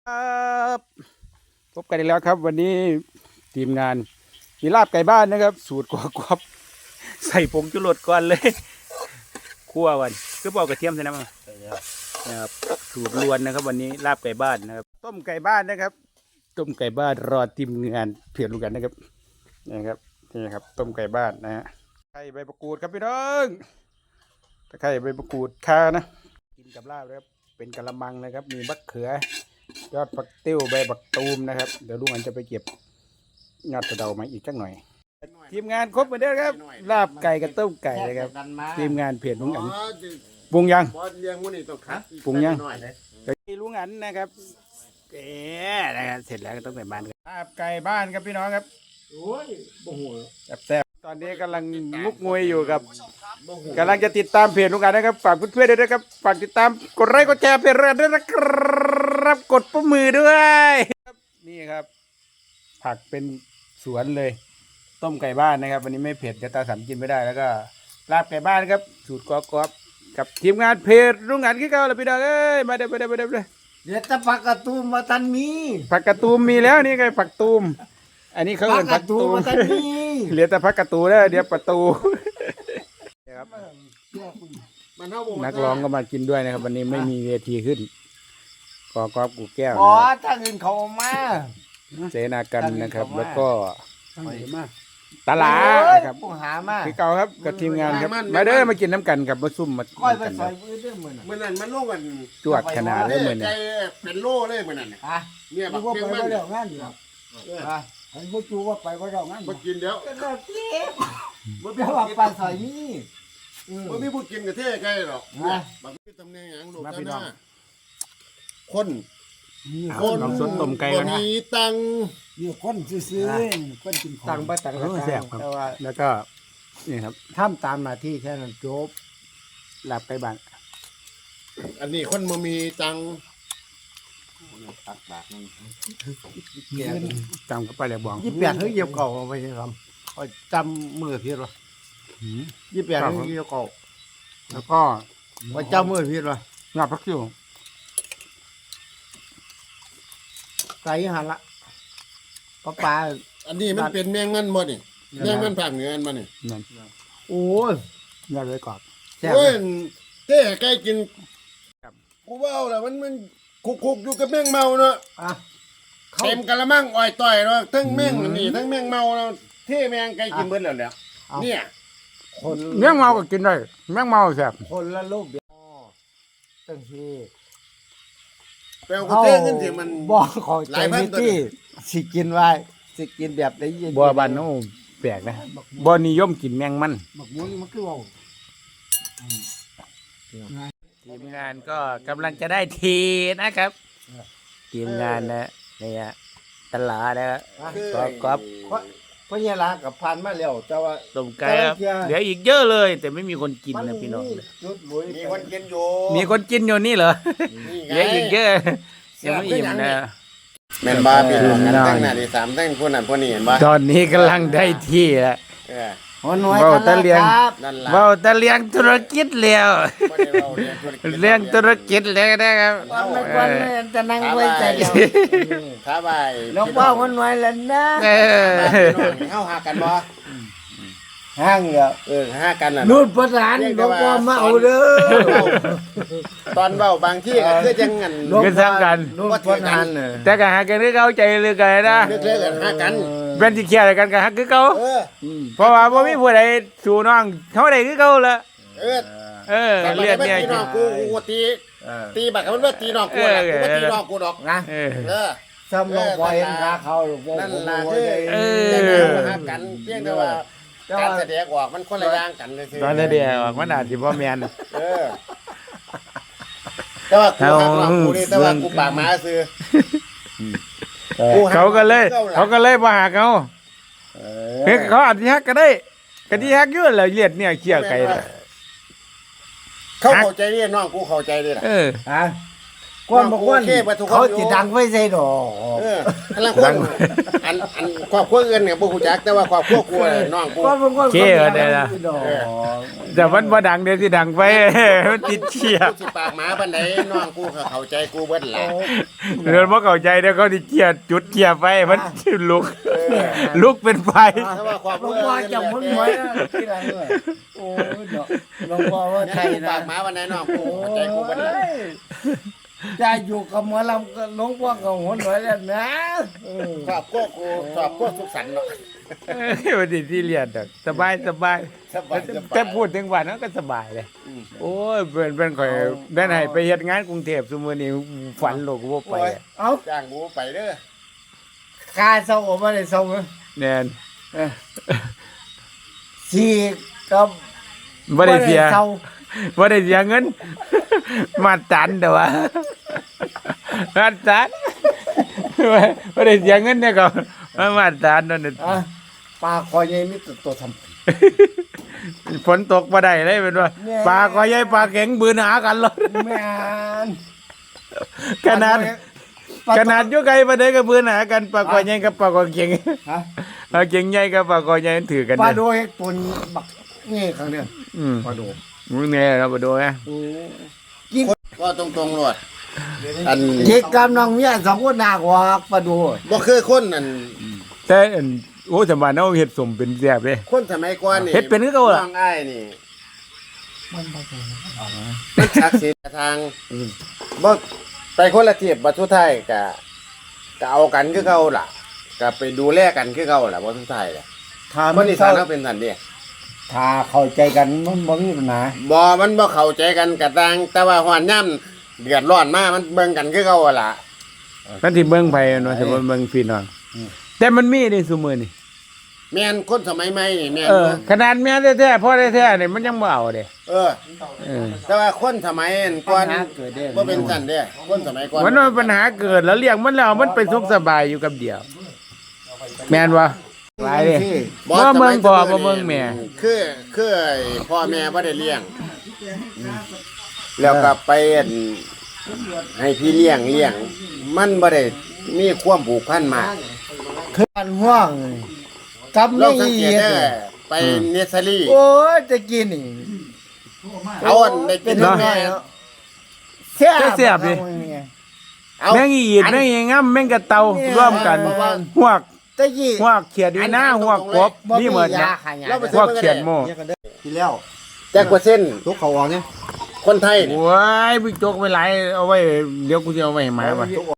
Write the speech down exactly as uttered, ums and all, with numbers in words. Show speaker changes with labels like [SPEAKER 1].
[SPEAKER 1] ครับพบกันอีกแล้วครับ วันนี้ทีมงานมีลาบไก่บ้านนะครับ สูตรกรอบๆใส่ผงชูรสก่อนเลยคั่ววันคือบอกกระเทียมใช่ไหมมั้งนะครับสูตรล้วนนะครับ วันนี้ลาบไก่บ้านนะครับ ต้มไก่บ้านนะครับ ต้มไก่บ้านรอทีมงานเพียรลูกกันนะครับนี่ครับนี่ครับ ต้มไก่บ้านนะฮะไข่ใบมะกรูดครับพี่น้องตะไคร้ใบมะกรูดข่านะกินกับลาบนะครับเป็นกะละมังนะครับ มีมะเขือยอดผักติ้วใบบักตูมนะครับเดี๋ยวลุงอันจะไปเก็บยอดกระเดามาอีกสักหน่อยทีมงานครบเหมือนเดิมครับลาบไก่กับต้มไก่นะครับทีมงานเพจลุงอันปรุงยังปรุงยังลุงอันนะครับเอ๊ะนะครับเสร็จแล้วก็ต้องไปบ้านลาบไก่บ้านครับพี่น้องครับโอ้ยโอ้โหแซ่บตอนนี้กำลังงุกงวยอยู่กับกำลังจะติดตามเพจลุงอันนะครับฝากเพื่อนๆด้วยนะครับฝากติดตามกดไลค์กดแชร์เพจเราด้วยนะครับกดปุ่มมือด้วยนี่ครับผักเป็นสวนเลยต้มไก่บ้านนะครับวันนี้ไม่เผ็ดจะตาสันกินไม่ได้แล้วก็ลาบไก่บ้านครับสูตรกรอบๆกับทีมงานเพจลุงอันขี้เก่าเลยพี่น้องเอ้ยมาเด้อมาเด้อมาเด้อเลย
[SPEAKER 2] เดี๋ยวจะผักกระตูมมาทันมี
[SPEAKER 1] ผักกระตูมมีแล้วนี่ไงผักตูมอันนี้เขาเรียกผักตูม
[SPEAKER 2] มาทันมี
[SPEAKER 1] เหลือแต่ผักกระตูแล้วเดี๋ยวประตูครับนักร้องก็มากินด้วยนะครับวันนี้ไม่มีเวทีขึ้นกอกอบกูแก้ว
[SPEAKER 2] อ๋อถ้าเงินเขามา
[SPEAKER 1] เสนากันนะครับแล้วก็ตลาครับ
[SPEAKER 2] ผู้หามา
[SPEAKER 1] คือเก่าครับกับทีมงานครับมาเด้อมากินน้ำกันกับมาซุ่มมา
[SPEAKER 2] ค่อยไปใส่มือเด้อมือ
[SPEAKER 3] เมื่อนั้นมันโลกัน
[SPEAKER 1] จวดขนาดเลยเหมือน
[SPEAKER 3] เนี่ยเป็นโล่เลยเหมือนนั้น
[SPEAKER 2] เนี่ยบักเพียงมันเดี๋ยวงั้นอยู่อ่ะเห็นผู้จูว่าไปว่าเรางั้น
[SPEAKER 3] มากินเดี๋ยว
[SPEAKER 2] เดี๋ยวเจ๊บ่เดี๋ยวว่าไปใส่มี
[SPEAKER 3] บ่มีผู้กินกับเท่ใกล้หรอกบักมีตำแหน่งอย่างลูกกันนะคน
[SPEAKER 1] คนสดต้มไก่กันนะ
[SPEAKER 3] มีตัง
[SPEAKER 2] นี่คนซื้อๆคนกิน
[SPEAKER 1] ตังบ่ตังแซ่บครับแล้วก็นี่ครับ
[SPEAKER 2] ทำตามหน้าที่แค่นั้นจบ
[SPEAKER 1] ลาบไก่บ้าน
[SPEAKER 3] อันนี้คนบ่มีตัง
[SPEAKER 2] ตักบาทนึง
[SPEAKER 1] จำก็ไปเลยบอง
[SPEAKER 2] ยี่สิบแปดเฮ้ยเยี่ยวเก่าไปใช่ครับจำมือพี่หรอยี่สิบแปดเฮ้ยเยี่ยวเก่า
[SPEAKER 1] แล้วก็
[SPEAKER 2] ว่าจำมือพี่หรอ
[SPEAKER 1] หน้าพักคิว
[SPEAKER 2] ใส่หันละปลาปลา
[SPEAKER 3] อันนี้มันเป็นแมงมันบ่นี่แมงมันภาคเหนืออันมานี่
[SPEAKER 2] โอ้ย
[SPEAKER 1] ยอดเลยกรอบ
[SPEAKER 3] โอ้ยเต้ใกล้กินกูว่าแล้วมันมันคุกๆอยู่กับแมงเมาเนาะเต็มกะละมังอ้อยต่อยเนาะทั้งแมงนี่ทั้งแมงเมาเนาะเท่แมงไก่กินเบิดแล้วเนี่ยเนี่ย
[SPEAKER 1] คนแมงเมาก็กินได้แมงเมาแซ่บ
[SPEAKER 2] คนละลูกเดียวตั้งที
[SPEAKER 3] แปลว่าเท่ขึ้นที่มัน
[SPEAKER 2] บอกขอใจมิตี้สิกินไว้สิกินแบบได้ยิน
[SPEAKER 1] บัวบานโน่แปลกนะบัวนิยมกินแมงมัน
[SPEAKER 2] บักมุ้ยมันคือว่า
[SPEAKER 1] ทีมงานก็กำลังจะได้ทีนะครับทีมงานนะเนี่ยตลาดนะก็ก็
[SPEAKER 2] เพราะเนี่ยละกับพันมาแล้วแต่ว่า
[SPEAKER 1] ต้มไก่ครับเหลืออีกเยอะเลยแต่ไม่มีคนกินนะพี่น้อง
[SPEAKER 3] มีคนกินอยู่
[SPEAKER 1] มีคนกินอยู่นี่เหรอเหลืออีกเยอะยังไม่อิ่มนะ
[SPEAKER 3] แม่นบ้าพี่น้องกันตั้งหน้าที่สามตั้งคนนั้นคนนี้เห็นบ้า
[SPEAKER 1] ตอนนี้กำลังได้ที่แล้วเบาตะเลียงเบาตะเลียงธุรกิจแล้วเลี้ยงธุรกิจแล้วนะครับ
[SPEAKER 2] วันนี้จะนั่งไว้ใจเดียว
[SPEAKER 3] ท้าไป
[SPEAKER 2] น้องพ่อคนน้อยแล้วนะ
[SPEAKER 3] เข้าหากันบ่
[SPEAKER 2] ห้างเหรอ
[SPEAKER 3] เออห้ากันน่ะ
[SPEAKER 2] นู่นประธานน้องพ่อมาเอาเด้อ
[SPEAKER 3] ตอนเบาบางที่ก็คือจังงัน
[SPEAKER 1] ก็สร้างกัน
[SPEAKER 2] นู่นประธาน
[SPEAKER 1] แต่ก็หากันคือเขาใจเรือกันนะ
[SPEAKER 3] เลือกกันหากัน
[SPEAKER 1] เป็นที่เคียร์กันก็หาคือเขาเพราะว่าบ่มีผู้ใดสู่น้องเขาได้คือเขาละ
[SPEAKER 3] เออ
[SPEAKER 1] เออเรียกเนี่ย
[SPEAKER 3] น้องกูกูตีตีบักมันว่าตีน้องกูน่ะกูตีน้องกูดอก
[SPEAKER 2] นะเออซ้ำลงไปหาเขา
[SPEAKER 3] นั่นล่ะคือเออหากันเพียงแต่ว่าการแสดงออกมันคนละอย่างกันเลย
[SPEAKER 1] ตอนแสดงออกมันอาจจะบ่แม่น
[SPEAKER 3] เออแต่ว่ากูหักหลังกูนี่แต่ว่ากูปากหมาซื้อ
[SPEAKER 1] เขาก็เลยเขาก็เลยบ่หักเขาเฮ้ยเขาอาจจะหักก็ได้ก็ที่หักอยู่แล้วเลียดเนี่ยเกี่ยวไก่
[SPEAKER 3] เขาเข้าใจเรียนน้องกูเข้าใจเลยล่ะ
[SPEAKER 2] เออฮะก้อนบอกว่า
[SPEAKER 3] โอเคเบิดทุกคน
[SPEAKER 2] เขา
[SPEAKER 3] อยู่
[SPEAKER 2] จะดังไว้ใส่ดอก
[SPEAKER 3] เออพลังคนอันอันครอบครัวอื่นเนี่ยบ่ฮู้จักแต่ว่าครอบครัวกูน่ะน้องกู
[SPEAKER 2] ก้อนบอกว่า
[SPEAKER 1] เก้อเนี่ยนะ
[SPEAKER 2] ดอก
[SPEAKER 1] แต่มันบ่ดังเดี๋ยวสิดังไป มันติดเชีย
[SPEAKER 3] กูสิปากหมาปานใดน้องกูก็เข้าใจกูเบิดล่ะ
[SPEAKER 1] เดี๋ยวบ่เข้าใจเดี๋ยวเขาสิเชียจุดเชียไฟมันลุกลุกเป็นไฟ
[SPEAKER 3] ถ้าว่าครอบค
[SPEAKER 2] หล
[SPEAKER 3] รั
[SPEAKER 2] ว
[SPEAKER 3] ว
[SPEAKER 2] งพ่อ
[SPEAKER 3] อื่น
[SPEAKER 2] จะมุนหวยนะที่ไหนเลยโอ้ยดอกหลวงพ่อว่า
[SPEAKER 3] เนี่ย
[SPEAKER 2] ไทย
[SPEAKER 3] กู
[SPEAKER 2] นะ
[SPEAKER 3] ปากหมาปานใดน้องกูเข้าใจกูเบิดล่ะ
[SPEAKER 2] จะอยู่กับหมอลำก็หลวงพ่อกับหัวหน่วยแล้วนะเออ
[SPEAKER 3] ครอบครัวกูครอบครัวสุขสันต์เนาะ
[SPEAKER 1] เอ้ยวันนี้ที่เรียนดอกสบายสบาย
[SPEAKER 3] สบายสบาย
[SPEAKER 1] แต่พูดถึงวันนั้นก็สบายเลย
[SPEAKER 3] อืม
[SPEAKER 1] โอ้ยเป็นเป็นข่อยแม่นให้ไปเฮ็ดงานกรุงเทพซุมื้อนี้ฝันโลกว่าไปอะ
[SPEAKER 2] เอา
[SPEAKER 3] จ้างกูไปเด้อ
[SPEAKER 2] คาเศร้าออกมาได้เศร้าไหม
[SPEAKER 1] แน่น
[SPEAKER 2] สี่กับ
[SPEAKER 1] บ่ได้เสีย
[SPEAKER 2] ศร้า
[SPEAKER 1] บ่ได้เสียเงิน มาตันแต่ว่ามาตันบ่ได้เสียเงินเนี่ยก็มามาตันนั่นน่ะ
[SPEAKER 2] อ่ะปลาคอยใหญ่นี่ตัวตัวท
[SPEAKER 1] ฝนตกบ่ได้เลยเป็นว่า
[SPEAKER 2] แน่
[SPEAKER 1] ปลาก็ใหญ่ปลาแข็งบืนหากันเลย
[SPEAKER 2] ำแม่น
[SPEAKER 1] ขนาด
[SPEAKER 2] ปลา
[SPEAKER 1] ขนาดอยู่ไกลบ่ได้ก็บืนหากันปลาก็ใหญ่กับปลาก็เข็ง
[SPEAKER 2] ฮะ
[SPEAKER 1] ปลาเข็งใหญ่กับปลาก็ใหญ่ถือกัน
[SPEAKER 2] ปลา
[SPEAKER 1] เนี่ย
[SPEAKER 2] โดยตัวบักนี่ครั้งเดียว
[SPEAKER 1] อืม
[SPEAKER 2] ปลาโด
[SPEAKER 1] มึงเนี่ยเราบ่ดูนะ
[SPEAKER 3] ก็ตรงๆโลดอัน
[SPEAKER 2] เด็กกับน้องเมียสองคนหนักกว่าปลาโด
[SPEAKER 3] บ่คือคนอัน
[SPEAKER 1] แต่อันโอ้สมัยนั้นเฮ็ดสมเป็นแซ่บเด้
[SPEAKER 3] คนสมัยก่อนนี่
[SPEAKER 1] เฮ็ดเป็นคือเก่าล่ะ
[SPEAKER 3] น้องอ้ายนี่
[SPEAKER 2] มันบ่เป็นออกนะ
[SPEAKER 3] มันศักดิ์สิทธิ์ทางบ่ไปคนละเทียบบัดสุดท้ายก็ก็เอากันคือเก่าล่ะก็ไปดูแลกันคือเก่าล่ะบ่สุดท้ายล่ะ
[SPEAKER 2] ถ้า
[SPEAKER 3] ค
[SPEAKER 2] มัน น
[SPEAKER 3] อี
[SPEAKER 2] เศ
[SPEAKER 3] สา
[SPEAKER 2] ร้าน
[SPEAKER 3] เขาเป็นสันเด้
[SPEAKER 2] ถ้าเข้าใจกันมันบ่มีปัญหา
[SPEAKER 3] บ่มันบ่เข้าใจกันกะต่างแต่ว่าฮ้อนย่ํเดือดร้อนมามันเบิ่งกันคือเก่าล่ะ
[SPEAKER 1] มันสิเบิ่งไผเนาะสิเบิ่งพี่น้องแต่มันมีในซุมื้อนี่
[SPEAKER 3] แม่นคนสมัยใหม่นี่แม่น
[SPEAKER 1] เออ
[SPEAKER 3] บ่
[SPEAKER 1] ขนาดแม่แท้ๆพ่อแท้ๆนี่มันยังบ่เอาเด้
[SPEAKER 3] เออ
[SPEAKER 1] เออ
[SPEAKER 3] แต่ว่าคนสมัยก่อน
[SPEAKER 2] ปัญหาเกิดได้
[SPEAKER 3] บ่เป็นสันเด้คนสมัยก่อน
[SPEAKER 1] มันว่าปัญหาเกิดแล้วเลี้ยงมันแล้วมันไปสุขสบายอยู่กับเดียว แม่นบ่หลายเด้ บ่เมืองพ่อบ่เมืองแม่
[SPEAKER 3] คือคือไอ้พ่อแม่บ่ได้เลี้ยง แล้วก็ไปอั่นให้พี่เลี้ยงเลี้ยง มันบ่ได้มีความผูกพันมาก
[SPEAKER 2] คืออันห่วงกับ
[SPEAKER 3] เรา
[SPEAKER 2] ไม่
[SPEAKER 3] สัง
[SPEAKER 2] อี
[SPEAKER 3] เกตเด้อไปเนสซารี
[SPEAKER 2] โอ้ยจะกินนี่
[SPEAKER 3] เอาอันได้กิน
[SPEAKER 2] เนาะ
[SPEAKER 3] แม่
[SPEAKER 2] แซ่บ
[SPEAKER 1] แซ่บดิ
[SPEAKER 3] เอา
[SPEAKER 1] แม่งอีดแม่งอีงํแม่งกระเตาร่วมกันหวก
[SPEAKER 2] ตะกี้
[SPEAKER 1] หวกเขียดอีหน้าหวกกบนี่เหมือน
[SPEAKER 2] ยา
[SPEAKER 1] นะ
[SPEAKER 2] ขายยา
[SPEAKER 3] เราไป
[SPEAKER 1] หวกเขียดโม
[SPEAKER 2] ทีแล้ว
[SPEAKER 3] แจ็คเปอร์เซ็นต์
[SPEAKER 2] ทุกเขาออกเนี่ย
[SPEAKER 3] คนไทยนี่
[SPEAKER 1] โอ้ยบิ๊กโจ๊กไปหลายเอาไว้เดี๋ยวกูจะเอาไว้ให้หมาว่ะ